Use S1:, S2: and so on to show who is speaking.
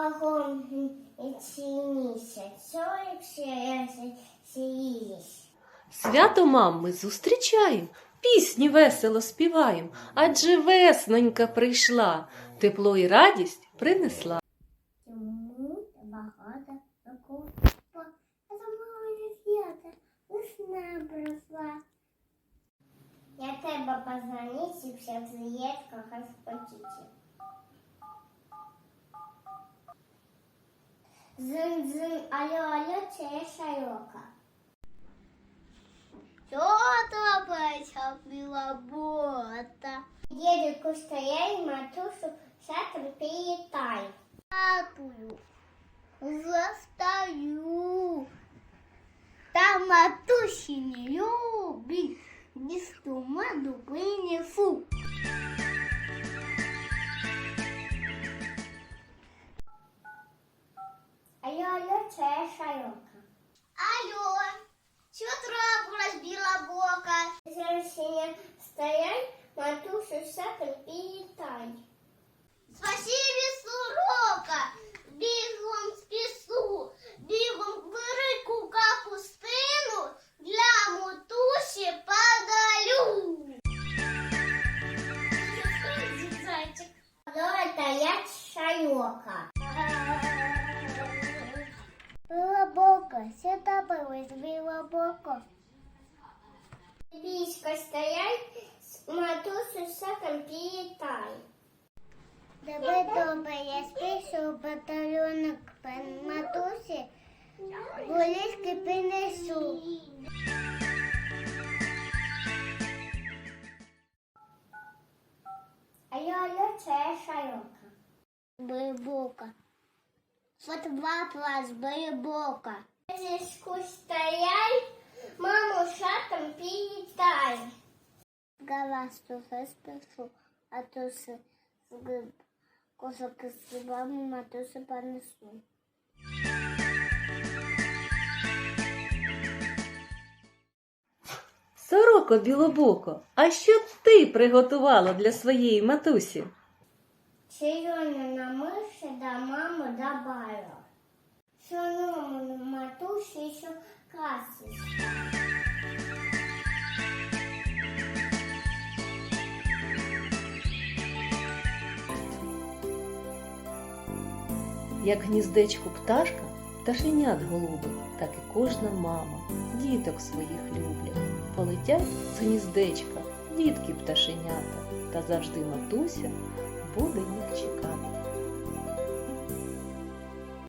S1: Свято мам ми зустрічаєм, пісні весело співаєм, адже веснонька прийшла, тепло і радість принесла.
S2: Чому багато років, це моє свято, весна прийшла. Я тебе позвонить і всіх з'їздках розпочити. Зин-зин, алло, це я Шайока. Що трапилася, білобота? Дідуку стояй, матушу, шатом привітай. Татую, застаю. Та матусі не любить, дісту меду принесу. Алло, це я Шайока. Алло, що трапилось, білобока? Зрощення стоять, матушу шатом привітай. Спасибі, сорока, бігом спісу, бігом велику капустину для матусі подалю. Зайчик. Алло, я Шайока. Білобока, що трапилось, білобока? Військо стоять, матусю шатом привітай. Добре, я спішу батальйонок матусі, волішки принесу. Алло, це я Шайока. Білобока. Фотоплас, Білобока. Зішку стоять, маму шатом привітай. Галасту спішу, а то з кошок з грибами матусі понесу.
S1: Сороко білобоко, а що ти приготувала для своєї матусі?
S2: Червону на миші до маму добавила. Соному матусі ще красить.
S1: Як гніздечку пташка, пташенят голубить, так і кожна мама діток своїх люблять. Полетять з гніздечка дітки пташенята, та завжди матуся буде їх чекати.